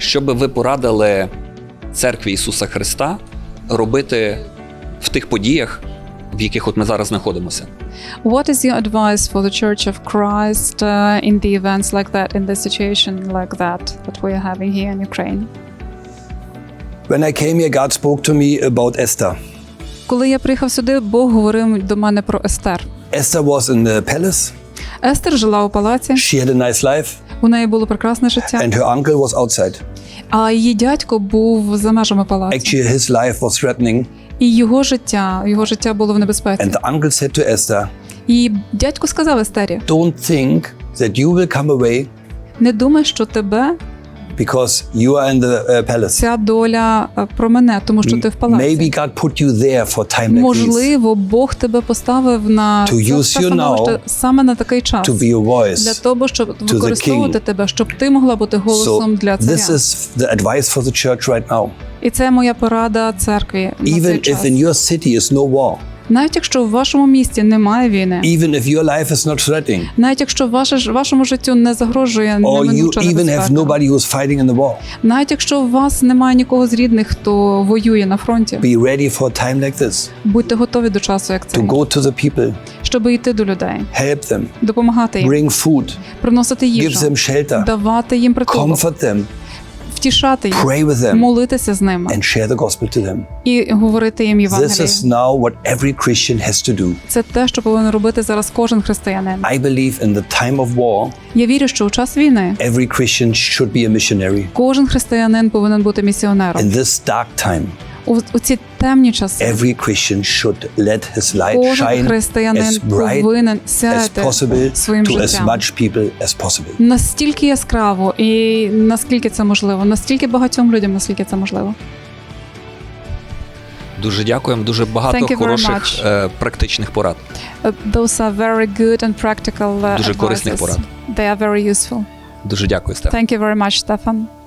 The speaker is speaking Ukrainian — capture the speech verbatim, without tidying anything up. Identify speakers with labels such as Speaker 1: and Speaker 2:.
Speaker 1: Що би ви порадили Церкві Ісуса Христа робити в тих подіях, в яких от ми зараз знаходимося?
Speaker 2: What is your advice for the Church of Christ uh, in the events like that, in the situation like that that we are having here in Ukraine?
Speaker 3: When I came here, God spoke to me about Esther.
Speaker 2: Коли я приїхав сюди, Бог говорив до мене про Естер.
Speaker 3: Esther was in the palace.
Speaker 2: Естер жила у палаці,
Speaker 3: She had a nice life,
Speaker 2: у неї було прекрасне життя,
Speaker 3: and her uncle was outside.
Speaker 2: а її дядько був за межами палацу.
Speaker 3: Actually, his life was threatening,
Speaker 2: І його життя, його життя було в небезпеці.
Speaker 3: and the uncle said to Esther,
Speaker 2: І дядько сказав Естері:
Speaker 3: "Don't think that you will come away
Speaker 2: не думай, що тебе
Speaker 3: because you are in the uh, palace.
Speaker 2: ця доля е, промене, тому що ти в палаці.
Speaker 3: Maybe God put you there for time like this
Speaker 2: Можливо, Бог тебе поставив на
Speaker 3: To
Speaker 2: це
Speaker 3: use
Speaker 2: все
Speaker 3: you
Speaker 2: становище
Speaker 3: now
Speaker 2: саме на такий час.
Speaker 3: to be a voice.
Speaker 2: Для того, щоб
Speaker 3: the
Speaker 2: використовувати
Speaker 3: king.
Speaker 2: тебе, щоб ти могла бути голосом
Speaker 3: So
Speaker 2: для
Speaker 3: this
Speaker 2: царя.
Speaker 3: is the advice for the church right now.
Speaker 2: І це моя порада церкві на цей
Speaker 3: Even
Speaker 2: час.
Speaker 3: if in your city is no war,
Speaker 2: Навіть якщо в вашому місті немає війни,
Speaker 3: even if your life is not threatening,
Speaker 2: навіть якщо ваше ж- вашому життю не загрожує
Speaker 3: or you
Speaker 2: неминуча
Speaker 3: even have
Speaker 2: небезпека,
Speaker 3: nobody who's fighting in the war,
Speaker 2: навіть якщо у вас немає нікого з рідних, хто воює на фронті,
Speaker 3: be ready for a time like this
Speaker 2: будьте готові до часу, як
Speaker 3: to
Speaker 2: цей,
Speaker 3: go to the people,
Speaker 2: щоб йти до людей,
Speaker 3: help them,
Speaker 2: допомагати їм,
Speaker 3: bring food,
Speaker 2: приносити
Speaker 3: give
Speaker 2: їжу,
Speaker 3: them shelter,
Speaker 2: давати їм притулок,
Speaker 3: comfort them,
Speaker 2: втішати їх,
Speaker 3: pray with them,
Speaker 2: молитися з ними
Speaker 3: and share the gospel to them.
Speaker 2: і говорити їм
Speaker 3: This
Speaker 2: Євангеліє.
Speaker 3: is now what every Christian has to do.
Speaker 2: Це те, що повинен робити зараз кожен християнин.
Speaker 3: I believe in the time of war,
Speaker 2: Я вірю, що у час війни
Speaker 3: every Christian should be a missionary.
Speaker 2: кожен християнин повинен бути місіонером.
Speaker 3: In this dark time,
Speaker 2: У, у ці темні часи
Speaker 3: every Christian should let his light
Speaker 2: кожен
Speaker 3: shine
Speaker 2: християнин
Speaker 3: as bright
Speaker 2: повинен
Speaker 3: as
Speaker 2: сяяти
Speaker 3: possible
Speaker 2: своїм
Speaker 3: to as
Speaker 2: життям.
Speaker 3: much people as possible.
Speaker 2: Настільки яскраво і наскільки це можливо, настільки багатьом людям, наскільки це можливо.
Speaker 1: Дуже дякуємо, дуже багато
Speaker 2: Thank you very
Speaker 1: хороших
Speaker 2: much.
Speaker 1: е, практичних порад.
Speaker 2: Uh, Those are very good and practical uh,
Speaker 1: Дуже корисних
Speaker 2: advices.
Speaker 1: порад.
Speaker 2: They are very useful.
Speaker 1: Дуже дякую, Стефан.
Speaker 2: Thank you very much, Stefan.